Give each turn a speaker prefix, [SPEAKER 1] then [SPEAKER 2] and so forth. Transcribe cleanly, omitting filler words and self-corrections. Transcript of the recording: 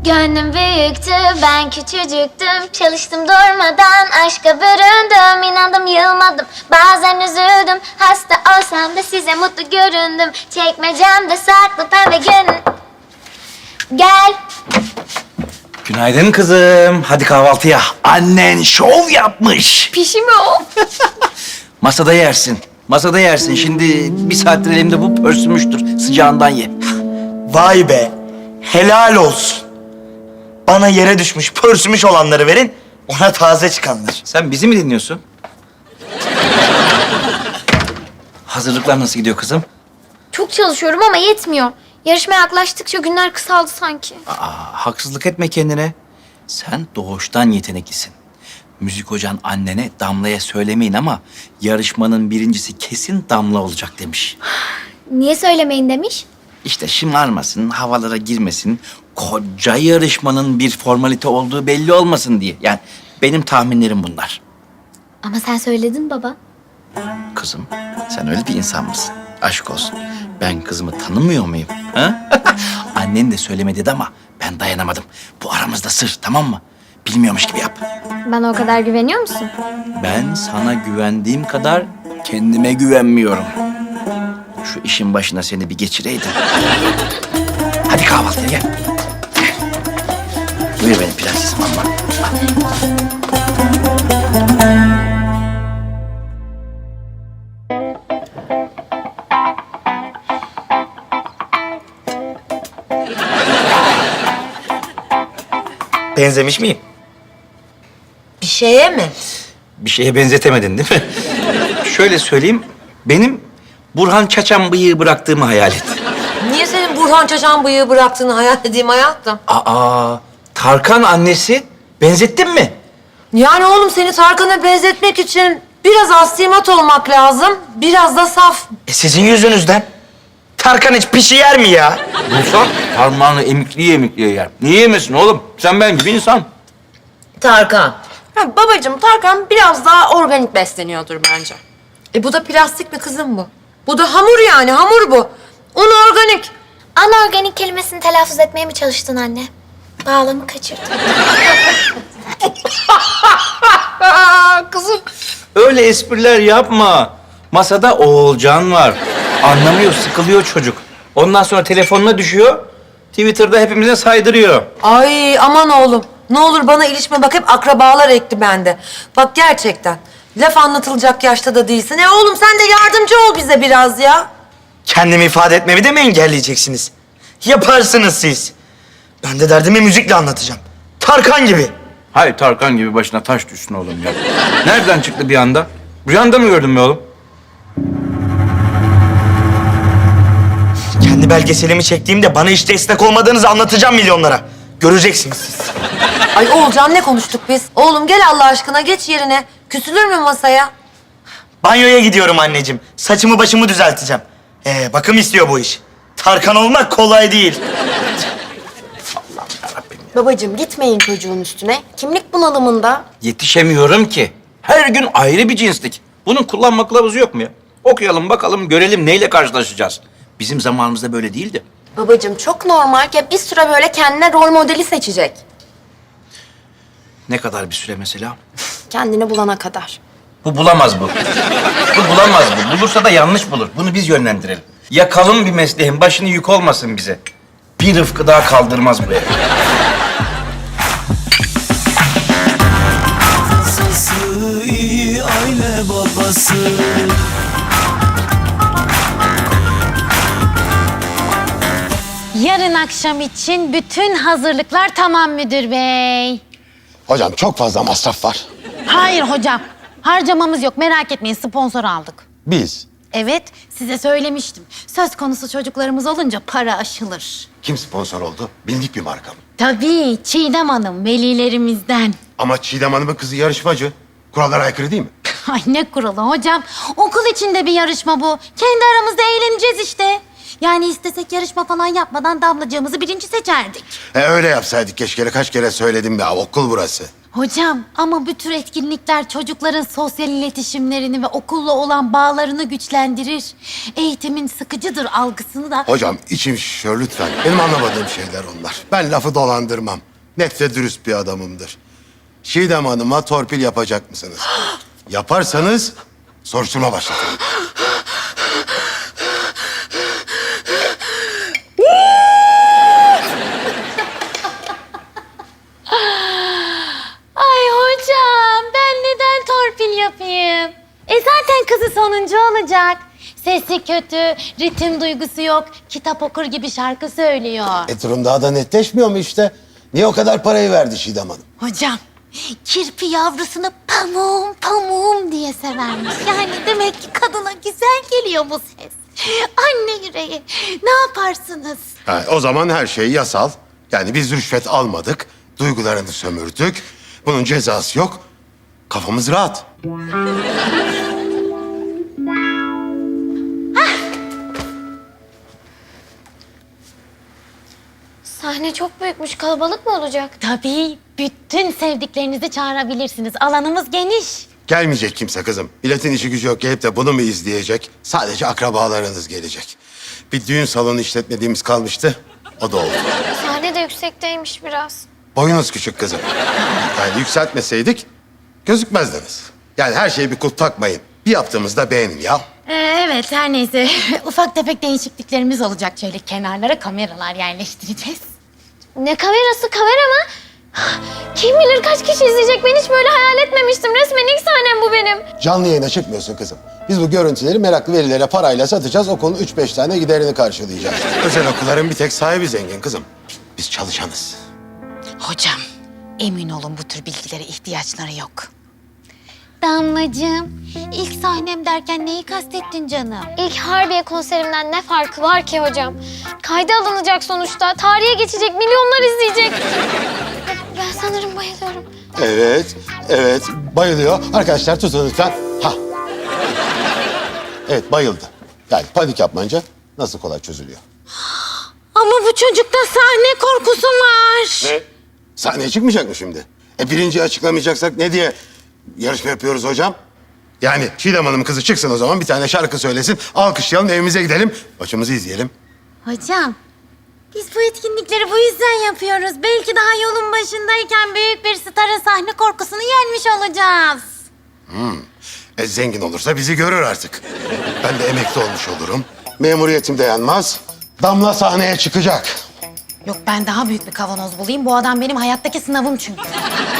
[SPEAKER 1] Gönlüm büyüktü, ben küçücüktüm. Çalıştım durmadan, aşka büründüm. İnandım, yılmadım, bazen üzüldüm. Hasta olsam da size mutlu göründüm. Çekmecemde saklı pembe gün. Gel.
[SPEAKER 2] Günaydın kızım. Hadi kahvaltıya. Annen şov yapmış.
[SPEAKER 1] Pişi mi o?
[SPEAKER 2] Masada yersin. Masada yersin. Şimdi bir saattir elimde bu pörsümüştür. Sıcağından ye.
[SPEAKER 3] Vay be. Helal olsun. Bana yere düşmüş, pörsümüş olanları verin. Ona taze çıkanlar.
[SPEAKER 2] Sen bizi mi dinliyorsun? Hazırlıklar nasıl gidiyor kızım?
[SPEAKER 1] Çok çalışıyorum ama yetmiyor. Yarışmaya yaklaştıkça günler kısaldı sanki.
[SPEAKER 2] Haksızlık etme kendine. Sen doğuştan yeteneklisin. Müzik hocan annene Damla'ya söylemeyin ama yarışmanın birincisi kesin Damla olacak demiş.
[SPEAKER 1] Niye söylemeyin demiş?
[SPEAKER 2] İşte şımarmasın, havalara girmesin, koca yarışmanın bir formalite olduğu belli olmasın diye. Yani benim tahminlerim bunlar.
[SPEAKER 1] Ama sen söyledin baba.
[SPEAKER 2] Kızım, sen öyle bir insan mısın? Aşk olsun. Ben kızımı tanımıyor muyum? Ha? Annen de söyleme dedi ama ben dayanamadım. Bu aramızda sır, tamam mı? Bilmiyormuş gibi yap.
[SPEAKER 1] Bana o kadar güveniyor musun?
[SPEAKER 2] Ben sana güvendiğim kadar kendime güvenmiyorum. Şu işin başına seni bir geçireydim. Hadi kahvaltıya gel. Gel. Buyur benim prensesim amma.
[SPEAKER 3] Benzemiş miyim?
[SPEAKER 4] Bir şeye mi?
[SPEAKER 2] Bir şeye benzetemedin değil mi? Şöyle söyleyeyim, benim Burhan Çaçan bıyığı bıraktığımı hayal et.
[SPEAKER 4] Niye senin Burhan Çaçan bıyığı bıraktığını hayal edeyim hayatım?
[SPEAKER 2] Aa, Tarkan annesi benzettin mi?
[SPEAKER 4] Yani oğlum seni Tarkan'a benzetmek için biraz aslimat olmak lazım, biraz da saf.
[SPEAKER 3] Sizin yüzünüzden. Tarkan hiç pişi yer mi ya?
[SPEAKER 2] İnsan parmağını emikliye yer. Niye yemesin oğlum? Sen ben gibi insan.
[SPEAKER 4] Tarkan.
[SPEAKER 5] Ha, babacığım Tarkan biraz daha organik besleniyordur bence.
[SPEAKER 4] Bu da plastik mi kızım bu? Bu da hamur yani, hamur bu. Un organik.
[SPEAKER 1] Anorganik kelimesini telaffuz etmeye mi çalıştın anne? Bağlamı kaçırdın.
[SPEAKER 2] Kızım. Öyle espriler yapma. Masada Oğulcan var. Anlamıyor, sıkılıyor çocuk. Ondan sonra telefonuna düşüyor. Twitter'da hepimize saydırıyor.
[SPEAKER 4] Ay aman oğlum. Ne olur bana ilişme, bak hep akrabalar ekti bende. Bak gerçekten. Laf anlatılacak yaşta da değilsin. Oğlum sen de yardımcı ol bize biraz ya.
[SPEAKER 3] Kendimi ifade etmemi de mi engelleyeceksiniz? Yaparsınız siz. Ben de derdimi müzikle anlatacağım. Tarkan gibi.
[SPEAKER 2] Hay Tarkan gibi başına taş düşsün oğlum ya. Nereden çıktı bir anda? Rüyanda mı gördün be oğlum?
[SPEAKER 3] Kendi belgeselimi çektiğimde bana hiç destek olmadığınızı anlatacağım milyonlara. Göreceksiniz siz.
[SPEAKER 4] Ay Oğulcan ne konuştuk biz? Oğlum gel Allah aşkına geç yerine. Küsülür mü masaya?
[SPEAKER 3] Banyoya gidiyorum anneciğim. Saçımı başımı düzelteceğim. Bakım istiyor bu iş. Tarkan olmak kolay değil.
[SPEAKER 5] Babacığım gitmeyin çocuğun üstüne. Kimlik bunalımında.
[SPEAKER 2] Yetişemiyorum ki. Her gün ayrı bir cinslik. Bunun kullanma kılavuzu yok mu ya? Okuyalım bakalım görelim neyle karşılaşacağız. Bizim zamanımızda böyle değildi.
[SPEAKER 5] Babacığım çok normal ki bir süre böyle kendine rol modeli seçecek.
[SPEAKER 2] Ne kadar bir süre mesela?
[SPEAKER 5] Kendini bulana kadar.
[SPEAKER 2] Bu bulamaz bu. Bu bulamaz bu. Bulursa da yanlış bulur. Bunu biz yönlendirelim. Yakalım bir mesleğin başını yük olmasın bize. Bir Rıfkı daha kaldırmaz bu ev.
[SPEAKER 6] Sası iyi aile babası.
[SPEAKER 7] Yarın akşam için bütün hazırlıklar tamam müdür bey.
[SPEAKER 8] Hocam çok fazla masraf var.
[SPEAKER 7] Hayır hocam, harcamamız yok, merak etmeyin, sponsor aldık.
[SPEAKER 8] Biz.
[SPEAKER 7] Evet, size söylemiştim. Söz konusu çocuklarımız olunca para aşılır.
[SPEAKER 8] Kim sponsor oldu? Bildik bir marka mı?
[SPEAKER 7] Tabii, Çiğdem Hanım, velilerimizden.
[SPEAKER 8] Ama Çiğdem Hanım'ın kızı yarışmacı. Kurallara aykırı değil mi?
[SPEAKER 7] Ay ne kuralı hocam, okul içinde bir yarışma bu. Kendi aramızda eğleneceğiz işte. Yani istesek yarışma falan yapmadan Damlacığımızı birinci seçerdik.
[SPEAKER 8] Öyle yapsaydık keşke. Kaç kere söyledim ya. Okul burası.
[SPEAKER 7] Hocam ama bu tür etkinlikler çocukların sosyal iletişimlerini ve okulla olan bağlarını güçlendirir. Eğitimin sıkıcıdır algısını da...
[SPEAKER 8] Hocam içim şişiyor lütfen. Benim anlamadığım şeyler onlar. Ben lafı dolandırmam. Net ve dürüst bir adamımdır. Çiğdem Hanım'a torpil yapacak mısınız? Yaparsanız soruşturma başlatırım.
[SPEAKER 7] Ay hocam ben neden torpil yapayım? Zaten kızı sonuncu olacak. Sesi kötü, ritim duygusu yok, kitap okur gibi şarkı söylüyor.
[SPEAKER 8] Durum daha da netleşmiyor mu işte? Niye o kadar parayı verdi Çiğdem Hanım?
[SPEAKER 7] Hocam, kirpi yavrusunu pamuğum pamuğum diye severmiş. Yani demek ki kadına güzel geliyor bu ses. Anne yüreği, ne yaparsınız?
[SPEAKER 8] Ha, o zaman her şey yasal. Yani biz rüşvet almadık, duygularını sömürdük. Bunun cezası yok. Kafamız rahat.
[SPEAKER 1] Sahne çok büyükmüş. Kalabalık mı olacak?
[SPEAKER 7] Tabii, bütün sevdiklerinizi çağırabilirsiniz. Alanımız geniş.
[SPEAKER 8] Gelmeyecek kimse kızım. Milletin işi gücü yok gelip de bunu mu izleyecek? Sadece akrabalarınız gelecek. Bir düğün salonu işletmediğimiz kalmıştı. O da oldu.
[SPEAKER 1] Sahne de yüksekteymiş biraz.
[SPEAKER 8] Boyunuz küçük kızım. Yani yükseltmeseydik gözükmezdiniz. Yani her şeye bir kulp takmayın. Bir yaptığımızda beğenin ya.
[SPEAKER 7] Evet, her neyse. Ufak tefek değişikliklerimiz olacak. Şöyle kenarlara kameralar yerleştireceğiz.
[SPEAKER 1] Ne kamerası? Kamera mı? Kim bilir kaç kişi izleyecek? Ben hiç böyle hayal etmemiştim. Resmen ilk sahnem bu benim.
[SPEAKER 8] Canlı yayına çıkmıyorsun kızım. Biz bu görüntüleri meraklı velilere parayla satacağız. Okulun 3-5 tane giderini karşılayacağız. Özel okulların bir tek sahibi zengin kızım. Biz çalışanız.
[SPEAKER 7] Hocam, emin olun bu tür bilgilere ihtiyaçları yok. Damlacığım, ilk sahnem derken neyi kastettin canım?
[SPEAKER 1] İlk Harbiye konserimden ne farkı var ki hocam? Kayda alınacak sonuçta. Tarihe geçecek, milyonlar izleyecek. Ben sanırım bayılıyorum.
[SPEAKER 8] Evet, bayılıyor. Arkadaşlar tutun lütfen. Ha. Evet, bayıldı. Yani panik yapmayınca nasıl kolay çözülüyor.
[SPEAKER 7] Ama bu çocukta sahne korkusu var.
[SPEAKER 8] Ne? Sahneye çıkmayacak mı şimdi? Birinciyi açıklamayacaksak ne diye yarışma yapıyoruz hocam? Yani Çiğdem Hanım'ın kızı çıksın o zaman bir tane şarkı söylesin. Alkışlayalım, evimize gidelim. Maçımızı izleyelim.
[SPEAKER 7] Hocam, biz bu etkinlikleri bu yüzden yapıyoruz. Belki daha yolun başındayken büyük bir starın sahne korkusunu yenmiş olacağız.
[SPEAKER 8] Zengin olursa bizi görür artık. Ben de emekli olmuş olurum. Memuriyetim dayanmaz. Damla sahneye çıkacak.
[SPEAKER 7] Yok ben daha büyük bir kavanoz bulayım. Bu adam benim hayattaki sınavım çünkü.